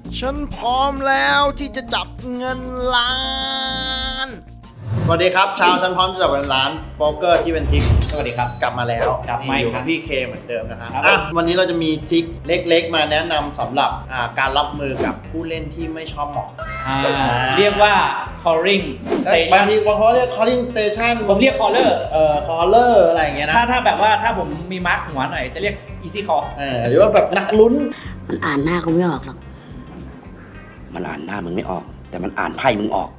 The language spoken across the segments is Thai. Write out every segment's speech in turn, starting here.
ฉันพร้อมแล้วที่จะจับเงินล้าน สวัสดีครับชาวฉันพร้อมจะจับเงินล้านโป๊กเกอร์ที่เป็นทริคสวัสดีครับกลับมาแล้วกลับมาอยู่ครักับบ พี่เคเหมือนเดิมนะครับวันนี้เราจะมีทริคเล็กๆมาแนะนำสำหรับการรับมือกับผู้เล่นที่ไม่ชอบหมอกเรียกว่า calling บาง station ทีบางคนเรียก calling station ผมเรียก caller caller อะไรอย่างเงี้ยนะถ้าแบบว่าถ้าผมมีมาร์คหัวหน่อยจะเรียก easy call หรือว่าแบบนักลุ้นมันอ่านหน้ากูไม่ออกหรอกมันอ่านหน้ามึงไม่ออก แต่มันอ่านไพ่มึงออก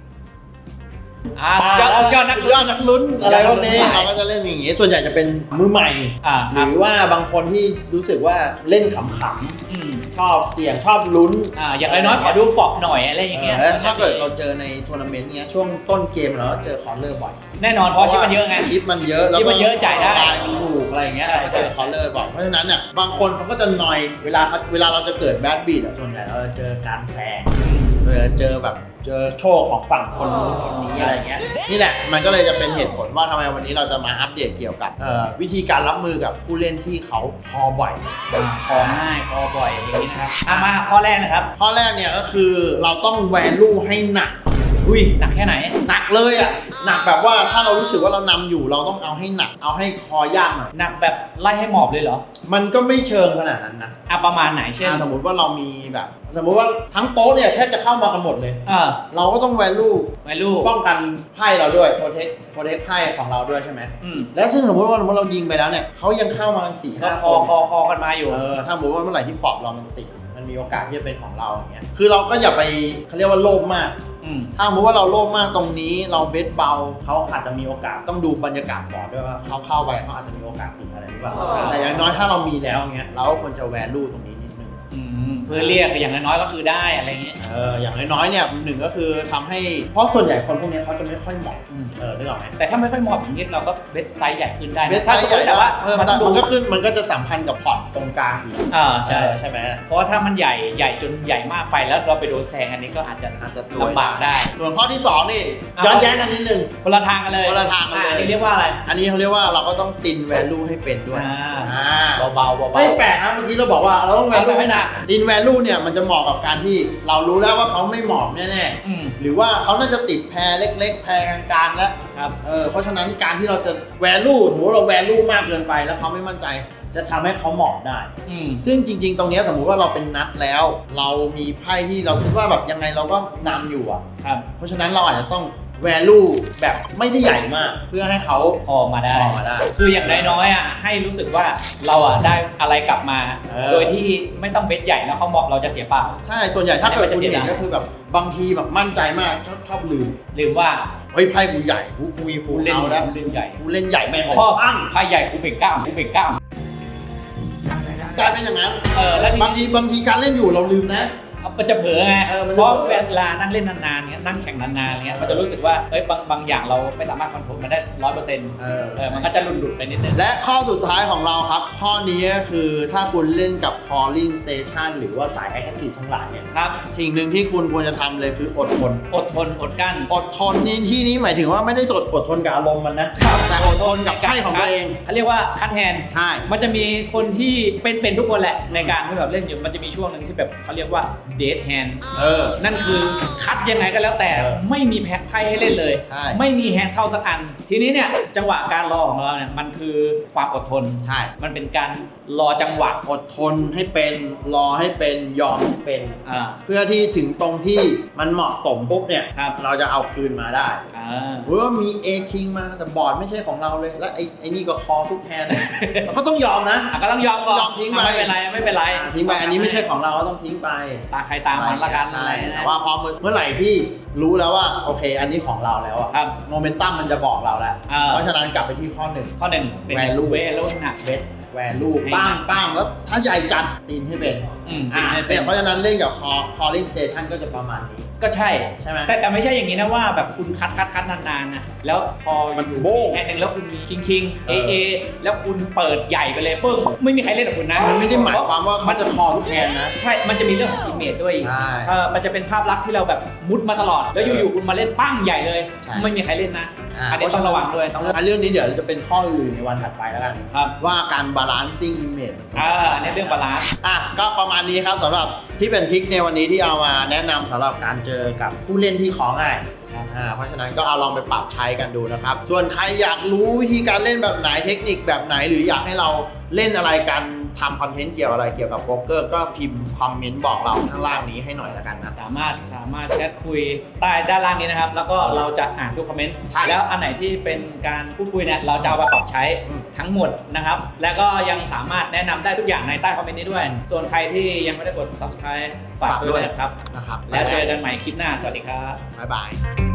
สุดยอดนักยอดนักลุ้นอะไรพวกนี้เราก็จะเล่นอย่างงี้ส่วนใหญ่จะเป็นมือใหม่ หรือว่าบางคนที่รู้สึกว่าเล่นขำๆชอบเสี่ยงชอบลุ้นอย่างน้อยๆขอดูฟอกหน่อยอะไรอย่างเงี้ยถ้าเกิดเราเจอในทัวร์นาเมนต์เงี้ยช่วงต้นเกมเราก็เจอคอร์เลอร์บ่อยแน่นอนเพราะชิปมันเยอะไงชิปมันเยอะชิปมันเยอะจ่ายได้มันถูกอะไรอย่างเงี้ยใช่เราก็เจอคอร์เลอร์บ่อยเพราะฉะนั้นเนี่ยบางคนเขาก็จะนอยเวลาเราจะเกิดแบดบีดส่วนใหญ่เราจะเจอการแซงเจอแบบเจอโชคของฝั่งคนนู้นคนนี้อะไรเงี้ยนี่แหละมันก็เลยจะเป็นเหตุผลว่าทำไมวันนี้เราจะมาอัปเดตเกี่ยวกับวิธีการรับมือกับผู้เล่นที่เขาคอบ่อยคอง่ายคอบ่อยอย่างนี้นะครับมาข้อแรกนะครับข้อแรกเนี่ยก็คือเราต้องแวลูให้หนักอุ้ยหนักแค่ไหนหนักเลยอ่ะหนักแบบว่าถ้าเรารู้สึกว่าเรานำอยู่เราต้องเอาให้หนักเอาให้คอยากหน่อยหนักแบบไล่ให้หมอบเลยเหรอมันก็ไม่เชิงขนาดนั้นนะประมาณไหนเช่นสมมติว่าเรามีแบบสมมติว่าทั้งโต๊ะเนี่ยแทบจะเข้ามากันหมดเลยเราก็ต้องแวลู ป้องกันไพ่เราด้วยโปรเทคไพ่ของเราด้วยใช่ไหมและซึ่งสมมติว่าเรายิงไปแล้วเนี่ยเขายังเข้ามา4-5 คอกันมาอยู่ถ้าสมมติว่าเมื่อไหร่ที่ฟอร์ดเรามันติดมันมีโอกาสที่จะเป็นของเราอย่างเงี้ยคือเราก็อย่าไปเขาเรียกว่าโลภมากถ้าสมมติว่าเราโลภมากตรงนี้เราเบสเบาเขาอาจจะมีโอกาสต้องดูบรรยากาศบอร์ดด้วยว่าเขาเข้าไปเขาอาจจะมีโอกาสติดอะไรหรือเปล่าแต่อย่างน้อยถ้าเรามีแล้วเงี้ยเราก็ควรจะแวลูตรงนี้นิดนึงเพื่อเรียกอย่างน้อยๆก็คือได้อะไรเงี้ยอย่างน้อยๆเนี่ยหนึ่งก็คือทำให้เพราะส่วนใหญ่คนพวกนี้เขาจะไม่ค่อยเหมาะนึกออกไหมแต่ถ้าไม่ค่อยเหมาะอย่างนี้เราก็เบสไซส์ใหญ่ขึ้นได้เบสไซส์ใหญ่แต่ว่ามันก็จะสัมพันธ์กับพอร์ตตรงกลางอีกใช่ไหมเพราะว่าถ้ามันใหญ่จนใหญ่มากไปแล้วเราไปโดนแซงอันนี้ก็อาจจะลำบากได้ส่วนข้อที่2นี่ย้อนแย้งกันนิดนึงคนละทางกันเลยคนละทางกันเลยอันนี้เรียกว่าอะไรอันนี้เขาเรียกว่าเราก็ต้องตินแวลูให้เป็นด้วยเบาๆไม่แปลกนะเมื่อกี้เราบอกว่าเราต้องแวลูให้หนักตินแวลูเนี่ยมันจะเหมาะกับการที่เรารู้แล้วว่าเขาไม่เหมาะแน่ๆหรือว่าเขาน่าจะติดแพรเล็กๆแพรกลางๆแล้วเพราะฉะนั้นการที่เราจะแวลูสมมติเราแวลูมากเกินไปแล้วเขาไม่มั่นใจจะทำให้เขาเหมาะได้ซึ่งจริงๆตรงนี้สมมุติว่าเราเป็นนัดแล้วเรามีไพ่ที่เราคิดว่าแบบยังไงเราก็นำอยู่เพราะฉะนั้นเราอาจจะต้องvalue แบบไม่ได้ใหญ่มากเพื่อให้เขาพอมาได้คืออย่างน้อยๆให้รู้สึกว่าเราได้อะไรกลับมาโดยที่ไม่ต้องเบ็ดใหญ่แล้วเขาบอกเราจะเสียเปล่าใช่ส่วนใหญ่ถ้าเกิดคุณเห็นก็คือแบบบางทีแบบมั่นใจมากชอบลืมว่าเฮ้ยไพ่กูใหญ่กูมีฟูลเอาแล้วกูเล่นใหญ่แม่งพ่อไพ่ใหญ่กูเบ่งก้าวกลายเป็นอย่างนั้นแล้วบางทีการเล่นอยู่เราลืมนะมันจะเผลอไงเพราะเวลานั่งเล่นนานๆเงี้ยนั่งแข่งนานๆเงี้ยมันจะรู้สึกว่าบางอย่างเราไม่สามารถคอนโทรลมันได้ 100%มันก็จะหลุดไปนิดนึงและข้อสุดท้ายของเราครับข้อนี้ก็คือถ้าคุณเล่นกับ calling station หรือว่าสาย aggressive ทั้งหลายเนี่ยสิ่งหนึ่งที่คุณควรจะทำเลยคืออดทนอดกั้นอดทนนี่ที่นี้หมายถึงว่าไม่ได้อดทนกับอารมณ์มันนะแต่อดทนกับไพ่ของตัวเองเขาเรียกว่าคัทแฮนด์ใช่มันจะมีคนที่เป็นทุกคนแหละในการที่แบบเล่นอยู่มันจะมีช่วงหนึ่งที่แบบเขาเรียกว่าเดทแฮนด์นั่นคือคัดยังไงก็แล้วแต่ไม่มีไพ่ให้เล่นเลยไม่มีแฮนด์เข้าสักอันทีนี้เนี่ยจังหวะการรอของเราเนี่ยมันคือความอดทนใช่มันเป็นการรอจังหวะอดทนให้เป็นรอให้เป็นยอมให้เป็นเพื่อที่ถึงตรงที่มันเหมาะสมปุ๊บเนี่ยเราจะเอาคืนมาได้หรือว่ามี A King มาแต่บอร์ดไม่ใช่ของเราเลยแล้วไอ้นี่ก็คอทุกแฮนด์เราก็ต้องยอมนะก็ต้องยอมทิ้งไปไม่เป็นไรทิ้งไปอันนี้ไม่ใช่ของเราก็ต้องทิ้งไปตาใครตามันละกันอะไรแต่ว่าพอเมื่อไหร่ที่รู้แล้วว่าโอเคอันนี้ของเราแล้วอะโมเมนตัมมันจะบอกเราแล้วเพราะฉะนั้นกลับไปที่ข้อหนึ่งแวลูหนักเบสแวลูป้างแล้วถ้าใหญ่จัดตีนให้เป็นเพราะฉะนั้นเล่นกับ calling station ก็จะประมาณนี้ก็ใช่ไหมแต่ไม่ใช่อย่างนี้นะว่าแบบคุณคัดนานๆนะแล้วพออยู่แค่นึงแล้วคุณมีคิงเอแล้วคุณเปิดใหญ่ไปเลยปึ้งไม่มีใครเล่นกับคุณนะมันไม่ได้หมายความว่าเขาจะคอทุกแฮนนะใช่มันจะมีเรื่องของอิมเมจด้วยมันจะเป็นภาพลักษณ์ที่เราแบบมุดมาตลอดแล้วอยู่ๆคุณมาเล่นปั้งใหญ่เลยไม่มีใครเล่นนะอันนี้ต้องระวังด้วยต้องเรื่องนี้เดี๋ยวจะเป็นข้ออื่นในวันถัดไปแล้วกันครับว่าการบาลานซิ่งอิมเมจอันนี้เรื่องบาลานซ์ก็ประมาณนี้ครับสำหรับที่เป็นทริคในวันนี้ที่เอามาแนะนำสำหรับการเจอกับผู้เล่นที่ของง่ายเพราะฉะนั้นก็เอาลองไปปรับใช้กันดูนะครับส่วนใครอยากรู้วิธีการเล่นแบบไหนเทคนิคแบบไหนหรืออยากให้เราเล่นอะไรกันทำคอนเทนต์เกี่ยวอะไรเกี่ยวกับโป๊กเกอร์ก็พิมพ์คอมเมนต์บอกเราข้างล่างนี้ให้หน่อยละกันนะสามารถแชทคุยใต้ด้านล่างนี้นะครับแล้วก็เราจะอ่านทุกคอมเมนต์ใช่แล้วอันไหนที่เป็นการพูดคุยเนี่ยเราจะเอามาปรับใช้ทั้งหมดนะครับแล้วก็ยังสามารถแนะนำได้ทุกอย่างในใต้คอมเมนต์นี้ด้วยส่วนใครที่ยังไม่ได้กด subscribe ฝากด้วยนะครับนะครับแล้วเจอกันใหม่คลิปหน้าสวัสดีครับบ๊ายบาย